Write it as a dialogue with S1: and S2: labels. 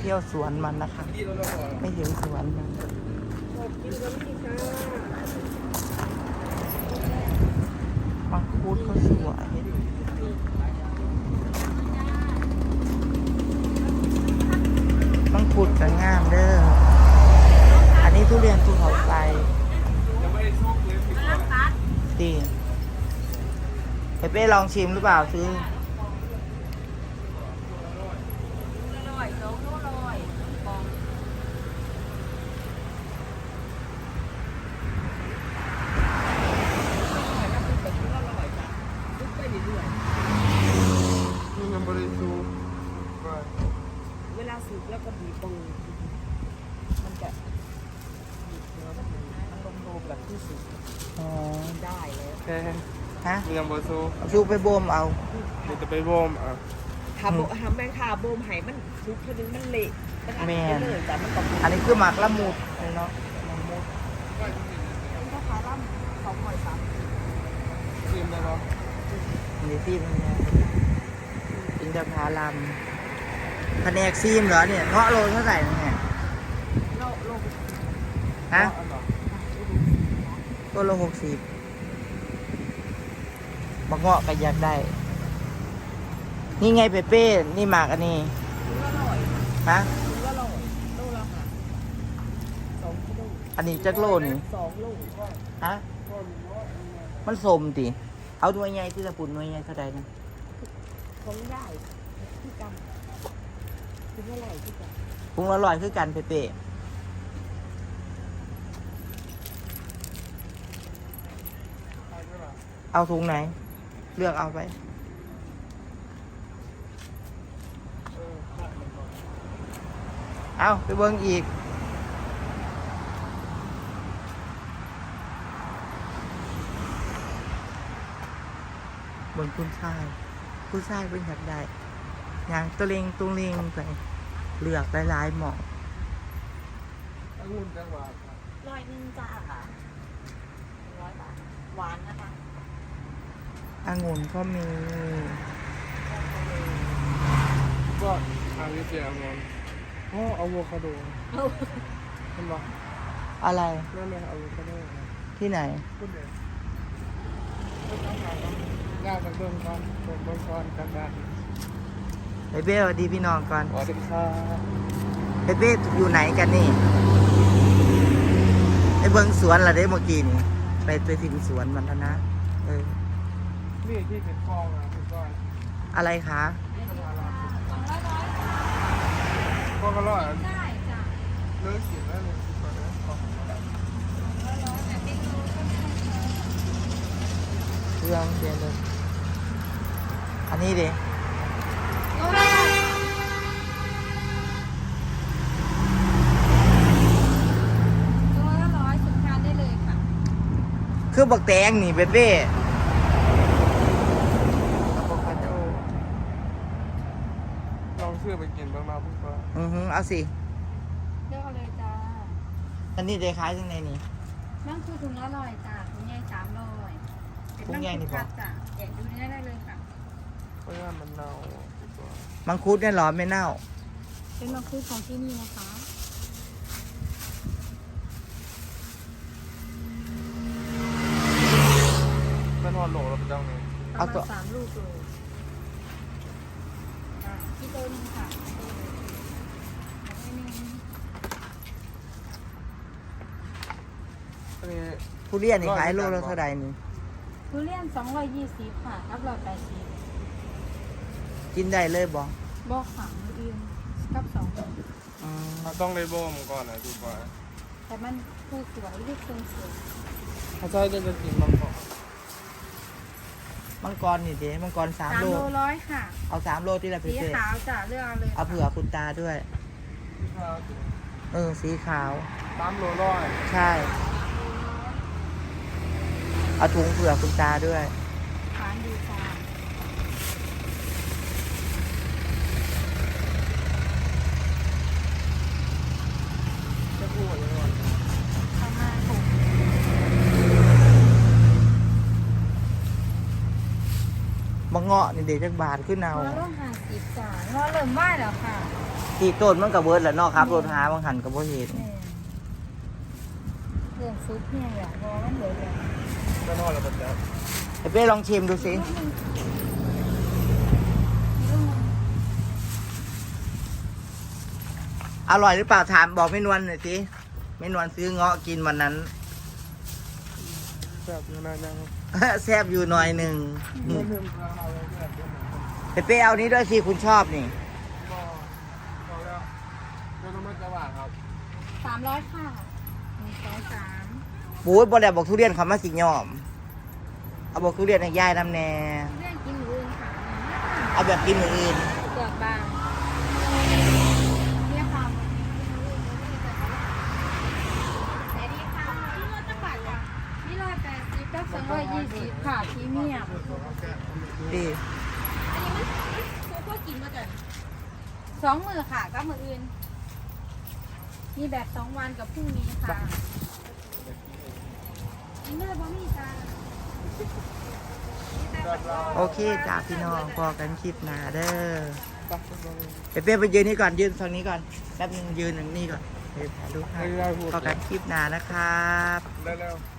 S1: ที่ยวสวนมันนะคะไม่ถึงสวนมันมังคุดก็สวยมังคุดก็งามเด้ออันนี้ทุเรียนภูเขาไฟดีเป้ลองชิมหรือเปล่าซื้อ
S2: เวลาสุกแล้วก็บีบตรงมันจะบีบเนื้อมันลงแบบที่สุกได้เลย
S1: ฮะ
S3: ยังบ่สู้
S1: ชูไปบ่มเอา
S3: มันจะไปบ่ม
S2: ทำแมงคาโบมไห้มันทุกทีนึงมันเละมันอัดไปเลยแต่มันตก
S1: อันนี้คือหมักละมุดเลยเนาะละมุด
S2: นี่ราคาล่ำ2.3
S3: ชิมได้ปะ
S1: อันนี้ซีมเนี่ยอินทผลัมแผนกซีมเหรอเนี่ยเงาะโลเท่าไหร่เนี่ยฮะตัวโล60บางเงาะก็อยากได้นี่ไงเปเป้นี่หมากอันนี้ฮะอันนี้จักโลนี่
S2: 2 โล
S1: ฮะมันสมติเอาหน่วยใหญ่ที่จะปุ่นหน่วยใหญ่เท่าใดนะ
S2: ของได้ที่กำคือเท่าไหร่ที่กำ
S1: พุงอร่อยคือกันเปเป้เอาถุงไหนเลือกเอาไปเอาไปเบิ้งอีกเบิ้งคุณชายเป็นอยากได้อย่างตัวเล็งไปเลือกหลายๆหมอก
S3: องุ่นจังหวัด
S2: 100จ้าค่ะ100 บาทหวานนะคะ
S1: องุ่นก็มี
S3: ก็อาวิเซียองุ่นอะโวคาโดเห็นปะ
S1: อะไร
S3: นั่นเลยอะโวคาโด
S1: ที่ไหน
S3: พูดเลยน่าจะเบิ่งก่อนกันได้
S1: เบเบ้สวัสดีพี่น้องก่อน
S3: สวัสดีครับ
S1: เบเบ้อยู่ไหนกันนี่ไปเบิ้งสวนละเด้เมื่อกี้นี่ไปถึงสวนมันแล้วนะ
S3: นี่ที่เป็นกล้องเป็นก้อน
S1: อะไรคะ
S3: ก็อร่อยได้จ้ะเลิกกินแล้วเลยก่อนนะ
S1: เครื่องเดียวเลยอันนี้ดิคือบักแตงนี่เบเบ้
S3: ลองซื้อไปกินบ้างนะพี่ฟ้า
S1: เอาสิ
S2: เลือกเอาเลยจ้า
S1: อันนี้ได้ขายยังไงนี่
S2: นั่นคือถุงละ100จ้าถุงใหญ่300
S1: ถุงใหญ่นี่ป่ะ
S2: จ้ะแกะดูได้เลยค่ะ
S3: เพราะว่ามันเน่า
S1: มังคุดเนี่ยหรอไม่เน่า
S2: เป็นมังคุดของที่นี่นะคะ
S3: เป็นหอนโหลเราไปจังเลย
S2: เอาตัว3 ลูกเลยที่โตนึงค่ะ
S1: ทุเรียนนี่ขายโลละเท่าไหร่นี่
S2: ทุเรียน220ค่ะกับ180
S1: กินได้เลยบ่
S2: ขังอื่นกับ
S3: เราต้องเลยบ่มก่อนนะพี่ฟ้า
S2: แต่มันคือสวยลูกทรงสวย
S3: ถ้าใช่จะกินมังกร
S1: นี่เด้มังกร3 โล
S2: 100ค่ะ
S1: เอา3 โลที่ละ
S2: สีขาวจ้ะเลือกเอาเลย
S1: เอาเผื่อคุณตาด้วยสีขาว
S3: 3 โล100
S1: ใช่เอาถุงเผื่อคุณตาด้วย
S2: ทานดีจ้า
S3: จะพูดยังไง
S2: ประมาณ6
S1: บางเงาะนี่เด็กจักบาทขึ้นเอา
S4: งอลง50จ้างอเริ่มไหวแล้วค่ะ
S1: ที่ต้นมันกับเบิร์ดแหละเนาะครับรถหาบางหันกับบ่เห็น
S4: แม่เริ่มซุปเนี่ยแหละงอมันเหลือแล้ว
S3: ก็นอนแล้วมันจะ
S1: ไอ้เป้ลองชิมดูสิอร่อยหรือเปล่าถามบอกแม่นวลหน่อยสิแม่นวลซื้อเงาะกินวันนั้น
S3: แบบอยู่ในนั้น
S1: แซ่บอยู่หน่อยหนึ่ง
S3: ไม่ลืมเอาเลยแบบ
S1: ไอ้เป้เอานี้ด้วยสิคุณชอบนี่
S3: ก็บอกแล้วเจ้าน้ำมันจะหวานครับ
S4: 300ค่ะ1 2 3
S1: ปูดบ่ได้บอกทุเรียนเขามาสิยอม เอาบอกทุเรียนให้ยายนำแน่
S4: เรื่องกินมื้ออื่นค่ะ
S1: เอาแบบกินอย่างอื่น
S4: เปลือกบางเนี่ยค่ะสวัสดีค่ะที่รถจังหวัดค่ะนี่180กับ220ค่ะพรีเมียม
S1: ดี
S4: อันนี้มันคือพวกกินมาจาก2 มื้อค่ะกับมื้ออื่น มีแบบ2 วันกับพรุ่งนี้ค่ะกินเลยบ่มีจ้า
S1: โอเคจ้าพี่น้องพอกันคลิปหน้าเด้อไอ้เป้ไปยืนนี่ก่อนยืนทางนี้ก่อนแป๊บนึงยืนอย่างนี้ก่อนเดี๋ยวถ่ายรูปให้พอกันคลิปหน้านะครับ
S3: เร็วๆ